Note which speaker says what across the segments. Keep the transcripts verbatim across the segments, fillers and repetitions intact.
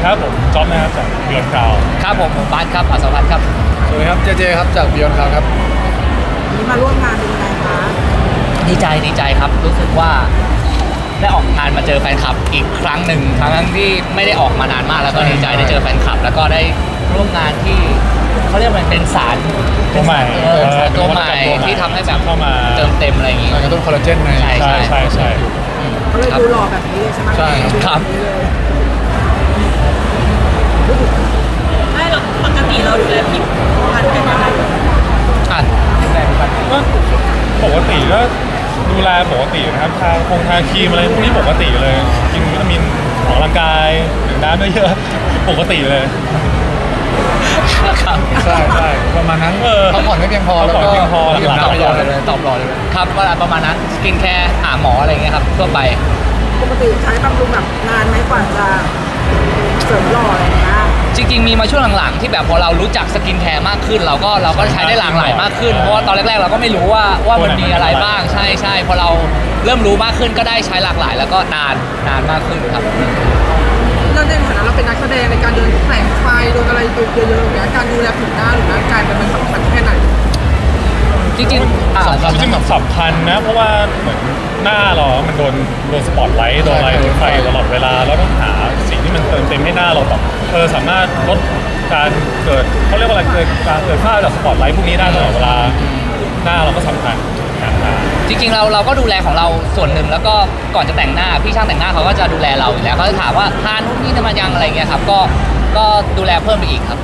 Speaker 1: ครับผมจ๊อบนะครับจากเบียร์คราว
Speaker 2: ครับผมผมบาสครับอัศวัฒน์ครับ
Speaker 3: สวัสดีครับเจเจครับจากบิยอนคลาวครับ
Speaker 4: นี่มาร่วมงานเป็นยังไงคะ
Speaker 2: ดีใจดีใจครับรู้สึกว่าได้ออกงานมาเจอแฟนคลับอีกครั้งหนึ่งทั้งที่ไม่ได้ออกมานานมากแล้วก็ดีใจได้เจอแฟนคลับแล้วก็ได้ร่วมงานที่เขาเรียกมันเป็นสาร
Speaker 1: ตัวใหม่
Speaker 2: เออสารตัวใหม่ที่ทำให้แบบ
Speaker 1: เข้ามา
Speaker 2: เติมเต็มอะไรอย่างงี้
Speaker 3: กระตุ้นคอลลาเจนใน
Speaker 2: ใช่
Speaker 1: ใช่ใช่ใช่
Speaker 4: เขาเลยดูหล่อแบบนี้เลยใช่ไหม
Speaker 3: ใช่ครับ
Speaker 4: ไม่เราปกติเราดูแลผิวพรรณกันยังไง
Speaker 2: อ่ะแรงกัน
Speaker 1: ก็ปกติก็ดูแลปกตินะครับทาคงทาครีมอะไรพวกนี้ปกติเลยกินวิตามินออกกำลังกายดื่มน้ำเยอะๆปกติเลย
Speaker 2: ครับ
Speaker 3: ใช่ใช่ประมาณนั้น
Speaker 1: เออ
Speaker 3: พักผ่อนไม่เพียงพอแล้ว
Speaker 1: พักผ่อน
Speaker 3: ก็
Speaker 1: ไม่เพียงพอ
Speaker 3: ดื่ม
Speaker 1: หลับ
Speaker 3: น้ำ
Speaker 2: ต
Speaker 3: เย
Speaker 2: อบ
Speaker 3: อะ
Speaker 2: รอเลยตอบรอเลยครับก็ประมาณนั้นสกินแคร์หาหมออะไรอย่างเงี้ยครับทั่วไป
Speaker 4: ปกติใช้บำรุงแบบนานไหมกว่าจะเสริมหล่ออะไรอย่างเงี้ย
Speaker 2: จริงๆมีมาช่วงหลังๆที่แบบพอเรารู้จักสกินแคร์มากขึ้น เราก็เราก็ใช้ได้หลากหลายมากขึ้นเพราะว่าตอนแรกๆเราก็ไม่รู้ว่าว่ามันมีอะไรบ้างใช่ใช่พอเราเริ่มรู้มากขึ้นก็ได้ใช้หลากหลาย แล้วก็นานนานมากขึ้นครับ
Speaker 4: เราในฐานะเราเป็นนักแสดงในการเดินแสงไฟโดนอะไรเยอะๆอย่างเงี้ยการดูแลผิวหน้าหรือร่างกายมันสำคัญแค่ไหน
Speaker 2: จริงๆอ่า
Speaker 1: จริงๆมันสำคัญนะเพราะว่าเหมือนหน้าเรามันโดนโดนสปอตไลท์โดนอะไรโดนไฟตลอดเวลาเราต้องหาสิ่งที่มันเติมเต็มให้หน้าเราแบบเออสามารถลดการเกิดเขาเรียกว่าอะไรเกิดการเกิดค่าจากสปอตไลท์พวกนี้ได้ตลอดเวลาหน้าเราก็สำคัญการทา
Speaker 2: จริงๆเราเราก็ดูแลของเราส่วนหนึ่งแล้วก็ก่อนจะแต่งหน้าพี่ช่างแต่งหน้าเขาก็จะดูแลเราอยู่แล้วเขาจะถามว่าทานนู่นนี่ทำมายังอะไรเงี้ยครับก็ก็ดูแลเพิ่มไปอีกครับ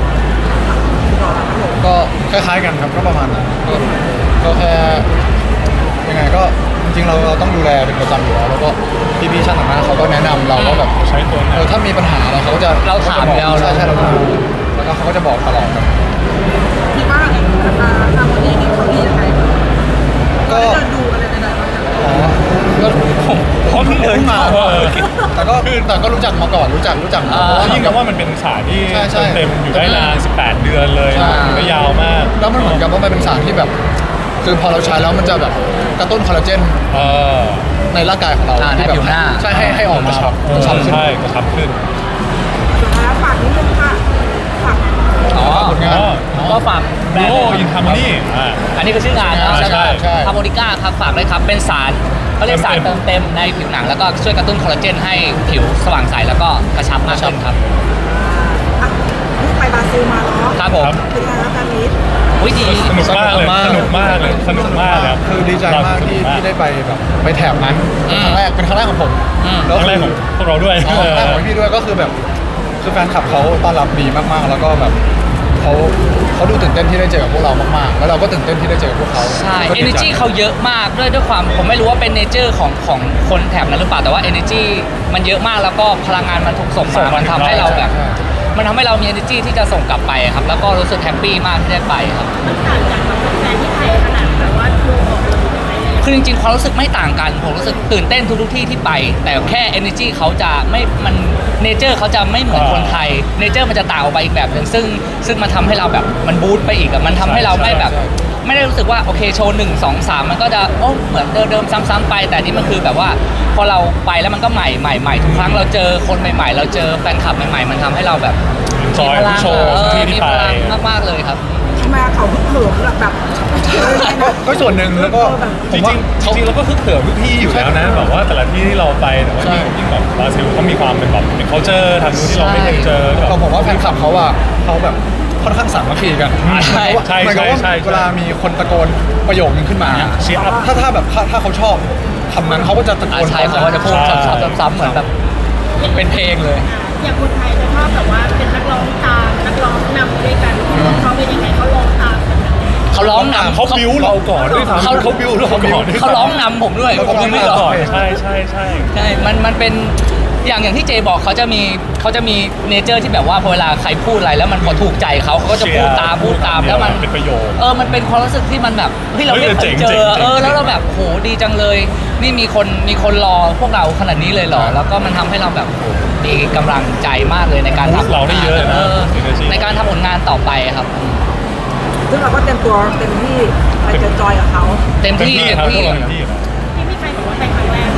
Speaker 3: ก็คล้ายๆกันครับก็ประมาณนั้นก็ก็แค่ยังไงก็จริงๆเราเราต้องดูแลเป็นประจำอยู่แล้วแล้วก็พี่ๆช่างแต่งหน้าเขาก็แนะนำเราว่าแบบ
Speaker 1: ใช้ตัวไหน
Speaker 3: เออถ้ามีปัญหาอะไรเขาก็จะ
Speaker 2: เราถาม
Speaker 3: ขก็จะบอก
Speaker 2: แล้ว
Speaker 3: ใช่ใช่เราดูแล้วก็เขาก็จะบอกตลอดครับ
Speaker 4: คิดว่าราคาทำวันนี้นี่เขาดียังไงบ้าง
Speaker 3: ก็
Speaker 4: เราได้เดินดูอะไรใดๆบ้างอย่าง
Speaker 3: อ๋อก็ผม
Speaker 1: เพราะเพิ่งเดิน
Speaker 3: มา
Speaker 1: เออ
Speaker 3: แต่ก็แต่ก็รู้จักมาก่อนรู้จักรู้จักมา
Speaker 2: อ่า
Speaker 3: เพราะว่า
Speaker 1: ยิ่งกับว่ามันเป็นสารที่
Speaker 3: ใช่ใช่
Speaker 1: เต็มอยู่ได้นานสิบแปดเดือนเลย
Speaker 3: ใช่
Speaker 1: มันก็ยาวมาก
Speaker 3: แล้วมันเหมือนกับว่ามันเป็นสารที่แบบ คือพอเราใช้แล้วมันจะแบบกระตุ้นคอลลาเจน
Speaker 1: เออ
Speaker 3: ในร่างกายของเรา
Speaker 2: อ่า
Speaker 3: ที่แบบ
Speaker 2: ในผิวหน้า
Speaker 3: ใช่ให้ให้ออกมาชับ
Speaker 1: เออก
Speaker 3: ระชับขึ้น
Speaker 1: ใช่กระชับขึ้น
Speaker 4: สุดท้ายแล้วฝากนิดนึงค่ะฝาก
Speaker 2: อ๋อ
Speaker 3: ผลงาน
Speaker 2: ก็ฝากแบร
Speaker 1: ดู
Speaker 2: นด์
Speaker 1: โออินทาร์โมนีอ่า
Speaker 2: อันนี้คือชื่องานนะ
Speaker 1: ใช่ใช่
Speaker 3: ใช่
Speaker 2: ฮาร์โมนิก้าครับฝากด้วยครับเป็นสารเขาเรียกสาร
Speaker 1: เติ
Speaker 2: เติ
Speaker 1: ม
Speaker 2: ม
Speaker 1: เต็
Speaker 2: เต็
Speaker 1: ม
Speaker 2: มในผิวหนังแล้วก็ช่วยกระตุ้นคอลลาเจนให้ผิวสว่างใสแล้วก็กระชับมากขึ้นครับ
Speaker 4: อ่ะนี่ไปบราซิลมาเนาะ
Speaker 2: ครับผม
Speaker 4: เป็นไงครับการนี้
Speaker 2: อุ้ยดี
Speaker 1: สนุกมากเลยสนุกมากเลยสนุกมากเลยรับ
Speaker 3: คือดีใจมากที่
Speaker 1: สนุ
Speaker 3: ที่ได้ไปแบบไปแถบนั้น
Speaker 2: อืม
Speaker 3: ครั้งแรกเป็นครั้งแรกของผม
Speaker 2: อืม
Speaker 1: ครั้งแรกของพวกเราด้วย
Speaker 3: อ๋อครั้งแรกของพี่ด้วยก็คือแบบคือแฟนคลับเขาต้อนรับดีมากๆ แล้วก็แบบเขาเขาดูตื่นเต้นที่ได้เจอกับพวกเรามากๆ แล้วเราก็ตื่นเต้นที่ได้เจอกับพวกเขา
Speaker 2: ใช่
Speaker 3: ก็ดีใจ
Speaker 2: energy เขาเยอะมากด้วยด้วยความผมไม่รู้ว่าเป็นเนเจอร์ของของคนแถบนั้นหรือเปล่าแต่ว่า energy มันเยอะมากแล้วก็พลังงานมันถูกส่ง
Speaker 1: ส่
Speaker 2: มาง
Speaker 1: มา
Speaker 2: มันทำให้เราแบบ
Speaker 3: ใช่
Speaker 2: มันทำให้เรามี energy ที่จะส่งกลับไปครับแล้วก็รู้สึกแฮปปี้มากที่ได้ไปครับ
Speaker 5: มันต่างจากแบบแฟนที่ไทยขนาดแบบว่าดูออกเลยยังไงเลย
Speaker 2: คือจริงๆความรู้สึกไม่ต่างกันผมรู้สึกตื่นเต้นทุกๆที่ที่ไป แต่แค่ energy เขาจะไม่มันเนเจอร์เขาจะไม่เหมือนคนไทยเนเจอร์มันจะต่างออกไปอีกแบบหนึ่งซึ่งซึ่งมันทำให้เราแบบมันบูสต์ไปอีกอะมันทำให้เราไม่แบบ ไม่ได้รู้สึกว่าโอเคโชว์หนึ่งสองสามมันก็จะโอ้เหมือนเดิมๆซ้ำๆไป แต่นี่มันคือแบบว่าพอเราไปแล้วมันก็ใหม่ใหม่ใหม่ทุกครั้งเราเจอคนใหม่ๆ เราเจอแฟนคลับใหม่ๆมันทำให้เราแบบ
Speaker 1: จอย
Speaker 2: มีพลัง
Speaker 1: โชว์
Speaker 2: เออ
Speaker 1: ที่ที่
Speaker 2: มี
Speaker 1: ไป
Speaker 2: พลังมากๆเลยครับ
Speaker 4: ทำไมเขาเพิ่งเหิมแบบแบบเลยนะ
Speaker 3: ก็ส่วนหนึ่งแล้วก็
Speaker 1: จ
Speaker 3: ผ
Speaker 1: ริ
Speaker 3: ม
Speaker 1: ง
Speaker 3: ว่า
Speaker 1: ๆจ
Speaker 3: เขา
Speaker 1: ริงๆเราก็คึกเขิมทุกที่อยู่แล้วนะแบบว่าแต่ละที่ที่เราไปแต่ว่า
Speaker 3: ใช่
Speaker 1: ยิ่งแบบบราซิลเขามีความเป็นแบบเป็น culture ทางนู้นที่เราไม่เคยเจอแบบ
Speaker 3: ก็ผมว่าแฟนคลับเขาอะเขาแบบค่อนข้างสามัคคีกัน
Speaker 2: ใช่
Speaker 1: ใช่
Speaker 3: หมายความว่า
Speaker 1: ใช่ใช่
Speaker 3: เวลามีคนตะโกนประโยคนึงขึ้นมา
Speaker 1: เชียร์อัพ
Speaker 3: ถ้าถ้าแบบถ้าถ้าเขาชอบคำนั้นเขาก็จะตะโก
Speaker 2: อ่าน ใช่
Speaker 3: พร้
Speaker 2: เขา
Speaker 3: อม
Speaker 2: ก็
Speaker 3: กั
Speaker 2: จะ
Speaker 3: น
Speaker 2: พูด
Speaker 1: ใช่
Speaker 2: ซ้ำๆๆๆเหมือนแบบเป็นเพลงเลย
Speaker 5: อย่างคนไทยจะชอบแบบว่าเป็นนักร้องตามนักร้องนำด้วยกันเขาเป็นยังไงเขาร้องตามกันแบบไหน
Speaker 2: เขาร้องนำ
Speaker 1: เขาบิวเราก่อนด้วยซ้ำ
Speaker 2: เขา
Speaker 1: เขาบิวเราก่อนด้วย
Speaker 2: เขาร้องนำผมด้วย
Speaker 3: เขา
Speaker 2: ผม
Speaker 3: ร้
Speaker 2: ยั
Speaker 3: อง
Speaker 2: งไม่
Speaker 3: นำ
Speaker 2: ร้อง
Speaker 1: ก่อนใช่ใช่ใช่
Speaker 2: ใช่ มัน มันเป็น อย่าง อย่างที่เจบอกเขาจะมีเขาจะมีเนเจอร์ที่แบบว่าพอเวลาใครพูดอะไรแล้วมันพอถูกใจเขาเขาก็จะพูดตาม พูดตาม แล้วมัน
Speaker 1: เป็นประโยชน์
Speaker 2: เออ มันเป็นความรู้สึกที่มันแบบ เฮ้ย เราไม่
Speaker 1: เฮ้ย
Speaker 2: เค
Speaker 1: เจ๋
Speaker 2: ย
Speaker 1: ง
Speaker 2: เจ
Speaker 1: เจ๋ง
Speaker 2: อ
Speaker 1: เจ๋ง
Speaker 2: เออ แล้วเราแบบ โห ดีจังเลย นี่มีคน มีคนรอพวกเราขนาดนี้เลยเหรอ แล้วก็มันทำให้เราแบบโหมีกำลังใจมากเลยในการ
Speaker 1: บูสต์
Speaker 2: ทำ
Speaker 1: เราได้เยอะเลยนะ
Speaker 2: เออ
Speaker 1: energy
Speaker 2: ในการทำผลงานต่อไปครับ
Speaker 4: ซึ่งเราก็เต็มตัวเต็มที่ไปเจอจอยกับเขา
Speaker 2: เต็ม
Speaker 1: เต็ม
Speaker 2: ที่
Speaker 1: ที่
Speaker 2: เต็ม
Speaker 1: ครับพว
Speaker 2: ที่
Speaker 1: กเราเต็มที่ครับ
Speaker 5: ที่พี่ใครบอกว่าไปครั้งแรกเนี่ย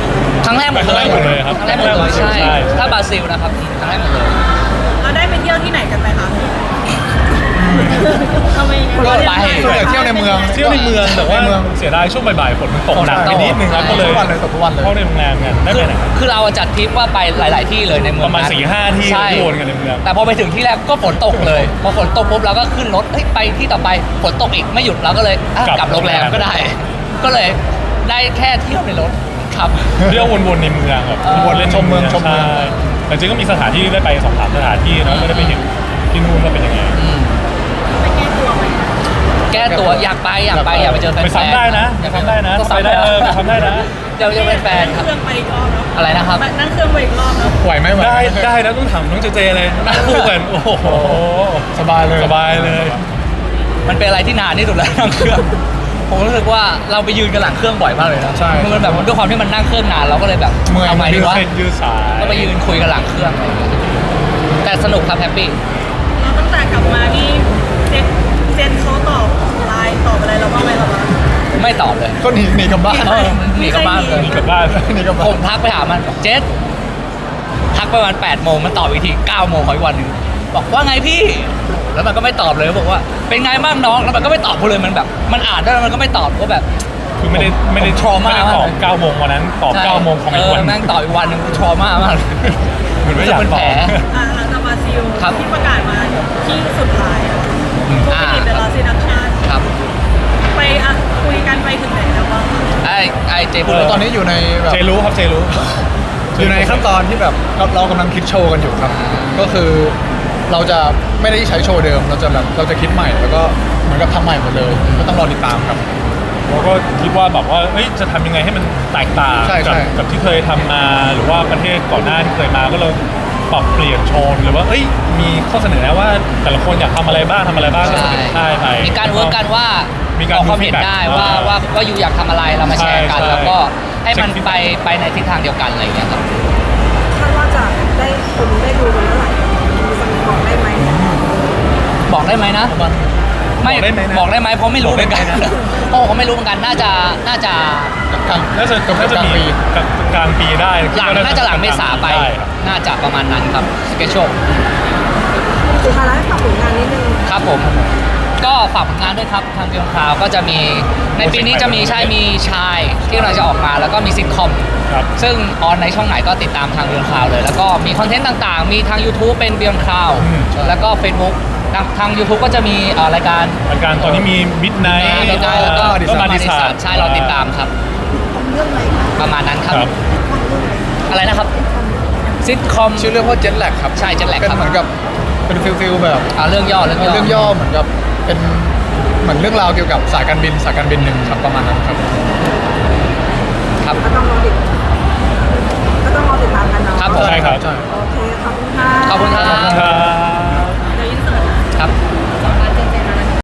Speaker 2: ครั้งแรกหมด
Speaker 1: ครั้งแรกหมดเลยครับ
Speaker 2: ครั้งแรกหมดเลยใช่
Speaker 1: ใช่
Speaker 2: ถ้าบราซิลนะครับครั้งแรกหมดเลย
Speaker 5: เราได้ไปเที่ยวที่ไหนกันไหมคะทำไม
Speaker 2: ก็ไป
Speaker 3: ส่วนใหญ่เที่ยวในเมือง
Speaker 1: เที่ยวในเมืองแต่ว่า
Speaker 3: ในเมือง
Speaker 1: เสียดายช่วงบ่ายๆฝนมันตกหนัก
Speaker 3: ใช่
Speaker 1: ไปนิดนึงครับ
Speaker 2: ใช่
Speaker 1: ก็เลย
Speaker 3: ทุกวันเลยตกทุกวันเลย
Speaker 1: เข้าในโรงแรมกันได้
Speaker 2: คื
Speaker 1: ไป
Speaker 2: อ
Speaker 1: ไหนครับ
Speaker 2: คือเราจัดทริปว่าไปหลาย ๆ ที่เลยในเมือง
Speaker 1: ประมาณ
Speaker 2: นั้น
Speaker 1: สี่ห้าที่
Speaker 2: ใช่
Speaker 1: ที่วนกันในเมือง
Speaker 2: แต่พอไปถึงที่แรกก็ฝนตกเลย พอฝนตกปุ๊บเราก็ขึ้นรถเฮ้ยไปที่ต่อไปฝนตกอีกไม่หยุดเราก็เลยอ่ะกลับโรงแรมก็ได้ ก็เลยได้แค่เที่ยวในรถครับ
Speaker 1: เที่ยววนๆในเมืองแบบ
Speaker 2: เออ
Speaker 1: วนเล่น
Speaker 3: ชมเมืองชมเมือง
Speaker 1: ใช่แต่จริงๆก็มีสถานที่ได้ไปสองสามสถานที่นะก็ได้ไปเห็นที่นู่นว่าเป็นยังไง
Speaker 2: อืม
Speaker 5: ไปแก้ตัวไหม
Speaker 2: แก้ตัวอยากไปอยากไปอยากไปเจอแฟนๆ
Speaker 1: ไปซ้ำได้นะ
Speaker 2: อยาก
Speaker 1: ไปซ้ำได้นะ
Speaker 2: ก็
Speaker 1: ไป
Speaker 2: ซ้ำ
Speaker 1: ได้
Speaker 2: ได้
Speaker 1: เออไปซ้ำได้นะ
Speaker 2: เดี๋ยวจะเป็นแฟนครับ
Speaker 5: เครื่องไปอีกรอบแล้ว
Speaker 2: อะไรนะครับ
Speaker 5: นั่งเครื่องไปอีกรอบแล้ว
Speaker 3: ไหวไหมไหว
Speaker 1: ได้
Speaker 3: หม
Speaker 1: ได้นะต้องถามน้องเจเจเลยนั่งคู่กันโอ้โห
Speaker 3: สบายเลย
Speaker 1: สบายเลย
Speaker 2: มันเป็นอะไรที่นานที่สุดแล้วนั่งเครื่อง ผมรู้สึกว่าเราไปยืนกันหลังเครื่องบ่อยมากเลยนะ
Speaker 3: ใช่
Speaker 2: มันแบบด้วยความที่มันนั่งเครื่องนานเราก็เลยแบบ
Speaker 3: เมื่อย
Speaker 2: ทำไม
Speaker 1: ยื
Speaker 2: ดี
Speaker 1: ด
Speaker 2: วะ
Speaker 1: เส้นยืดสาย
Speaker 2: ก็ไปยืนคุยกันหลังเครื่องอะไรอย่างเงี้ยแต่สนุกครับแฮปปี้
Speaker 5: เราตั้งแต่กลับมานี่เจนเจนเขาตอบไลน์ตอบอะไรเราบ้างไหมเราบ้าง
Speaker 2: ไม่ตอบเลย
Speaker 3: ก็หนีหนีกลับบ้าน
Speaker 2: เออหนีกลับบ้านเลย
Speaker 1: กลับบ้าน
Speaker 3: หนีกลับบ้า
Speaker 2: ผ
Speaker 3: น
Speaker 2: มทักไปหามันบอกเจสทักประมาณแปดโมงมันตอบอีกทีเก้าโมงของอีกวันหนึ่งบอกว่าไงพี่ แล้วมันก็ไม่ตอบเลยบอกว่าเป็นไงบ้างน้องแล้วมันก็ไม่ตอบกูเลยมันแบบ มันอ่านได้แล้วมันก็ไม่ตอบก็แบบ
Speaker 1: คือไม่ได้ไม่ได้
Speaker 2: ผม trauma
Speaker 1: ไม่ได้ตอบ
Speaker 2: มากเลย
Speaker 1: เก้าโมงวันนั้นตอบ
Speaker 2: ใช่
Speaker 1: เก้าโมงของอีกวัน
Speaker 2: เแม่งตอบอีกวันหนึ่งกูทรมามากเลย
Speaker 1: เหมือนไม่อยาก
Speaker 2: เป็น
Speaker 1: ต
Speaker 2: แผ
Speaker 1: อ
Speaker 2: ล
Speaker 1: บ
Speaker 5: อ่าหลังจากบราซิล
Speaker 2: ครับ
Speaker 5: ที่ประกาศมาที่สุดท้ายอะผู้
Speaker 2: อ่า
Speaker 5: ผลิตเดลซีดักชัน
Speaker 2: ครับ
Speaker 5: ไปอ่ะคุยกันไปถึงไหนแล้วบ้าง
Speaker 2: ไอ้ไอ้เจพูด
Speaker 1: เอ
Speaker 2: เลย
Speaker 3: ตอนนี้อยู่ในแบบ
Speaker 1: เจรู้ครับเจรู้
Speaker 3: อยู่ในขั้นตอนที่แบบเราเรากำลังคิดโชว์กันอยู่ครับ ก็คือเราจะไม่ได้ใช้โชว์เดิม เราจะแบบเราจะคิดใหม่แล้วก็เหมือนกับทำใหม่หมดเลย ก็ต้องรอติดตามครับ
Speaker 1: เราก็คิดว่าแบบว่าเอ้ยจะทำยังไงให้มันแตกต่าง
Speaker 3: ใช่
Speaker 1: กั
Speaker 3: ใช่
Speaker 1: กับที่เคยทำมาหรือว่าประเทศก่อนหน้าที่เคยมาก็เราปรับเปลี่ยนโชว์หรือว่าเอ้ยมีข้อเสนอแนะว่าแต่ละคนอยากทำอะไรบ้างทำอะไรบ้างก็เสนอได้ไป
Speaker 2: มีการเวิร์กกันว่า
Speaker 1: มีการ
Speaker 2: ออกความ
Speaker 1: ดู
Speaker 2: เห็น
Speaker 1: feedback
Speaker 2: ได้ว่า
Speaker 1: อ่า
Speaker 2: ว่าว่าอยู่อยากทำอะไรเรามาแชร์กัน
Speaker 1: ใช่
Speaker 2: แล้วก็ให้มัน
Speaker 1: เช็ค
Speaker 2: ไปไปในทิศทางเดียวกันอะไรอย่างเงี้ยครับ
Speaker 4: คาดว่าจะได้คนได้ดูกันเมื่อไหร่มีสักบอกได้ไหม
Speaker 2: บอกได้ไหมนะไม่
Speaker 1: บอกได้ไหมนะ
Speaker 2: บอกได้ไหมเพราะไม่รู้เหมือนกัน
Speaker 1: บอกได้ไหมนะ
Speaker 2: โอ้เขาไม่รู้เหมือนกันน่าจะน่าจะ
Speaker 3: กลาง
Speaker 1: น่าจะ
Speaker 3: เกือบ
Speaker 1: น่าจะ
Speaker 3: กลาง
Speaker 1: มี
Speaker 3: ปี
Speaker 1: กลางกลางปีได้
Speaker 2: หลังน่าจะหลังเมษาไป
Speaker 1: ได้ครับ
Speaker 2: น่าจะประมาณนั้นครับสเกจโช
Speaker 4: สุดท้ายแล้วให้ฝากผลงานนิดนึง
Speaker 2: ครับผม ก็ฝากผลงานด้วยครับทางเกียร์คราวก็จะมีในปีนี้จะมีใช่มีชายที่กำลังจะออกมาแล้วก็มีซิทคอม
Speaker 1: ครับ
Speaker 2: ซึ่งออนในช่องไหนก็ติดตามทางเบียร์คราวเลย แล้วก็มีคอนเทนต์ต่างๆ มีทาง YouTube เป็นเบียร์คราว
Speaker 1: อืม
Speaker 2: แล้วก็ Facebook ทางทาง YouTube ก็จะมีเอ่อรายการ
Speaker 1: รายการตอนนี้มีมิดไนท์
Speaker 2: มีได้แล้วก็
Speaker 1: ก็มาดิ
Speaker 2: ดิ
Speaker 1: สา
Speaker 2: สาใช่เราติดตามครับ
Speaker 4: เรื่องอะไรคะ
Speaker 2: ประมาณนั้นครับ
Speaker 1: ครับ
Speaker 2: อะไรนะครับซิทคอม
Speaker 3: ชื่อเรื่องว่าเจ็ตแลกครับ
Speaker 2: ใช่ Jet Lag
Speaker 3: เป็น
Speaker 2: ครับ
Speaker 3: เหมือนกับเป็นฟิลฟิลแบบ
Speaker 2: อ่าเรื่องย่อเรื่องย่อ
Speaker 3: เรื่องย่อเหมือนกับเป็นเหมือนเรื่องราวเกี่ยวกับสายการบินสายการบินหนึ่งครับประมาณนั้นครับ
Speaker 2: ครับ
Speaker 4: ก็ต้องรอติดก็ต้องรอติดตามกันเนาะ
Speaker 2: ครับผม
Speaker 1: ใช่ครับ
Speaker 3: ใช่
Speaker 4: โอ